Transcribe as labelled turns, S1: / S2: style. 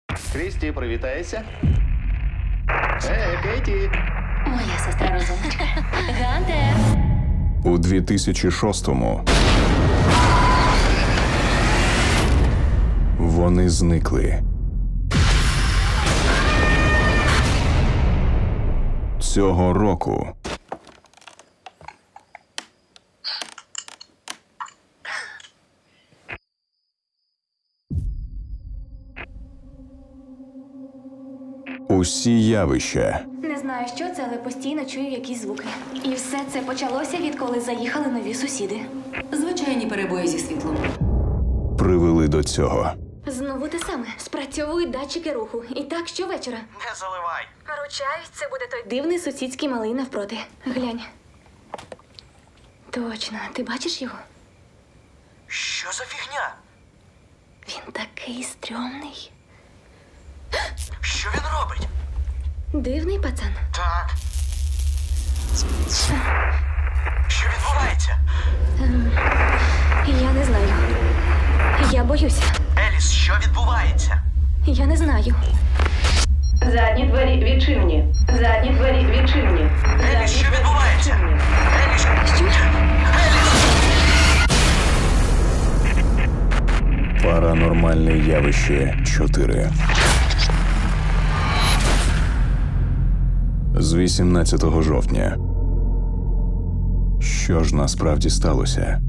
S1: Крісті, привітайся. Кейті.
S2: Моя сестра розумничка. Гантер!
S3: У 2006-му вони зникли. Цього року усі явища
S2: Не знаю, що це, але постійно чую якісь звуки. І все це почалося, відколи заїхали нові сусіди.
S4: Звичайні перебої зі світлом.
S3: привели до цього.
S2: Знову те саме. Спрацьовують датчики руху. І так щовечора.
S1: Не заливай.
S2: Ручаюсь, це буде той дивний сусідський малий навпроти. Глянь. Точно. Ти бачиш його?
S1: Що за фігня?
S2: Він такий стрьомний.
S1: Що він робить?
S2: Дивний пацан.
S1: Так. Що відбувається?
S2: Я не знаю. Я боюся.
S1: Еліс, що відбувається?
S2: Я не знаю.
S5: Задні двері відчинені. Задні двері відчинені.
S1: Еліс, що відбувається? Еліс!
S2: Що?
S3: Паранормальне явище 4. З 18 жовтня. Що ж насправді сталося?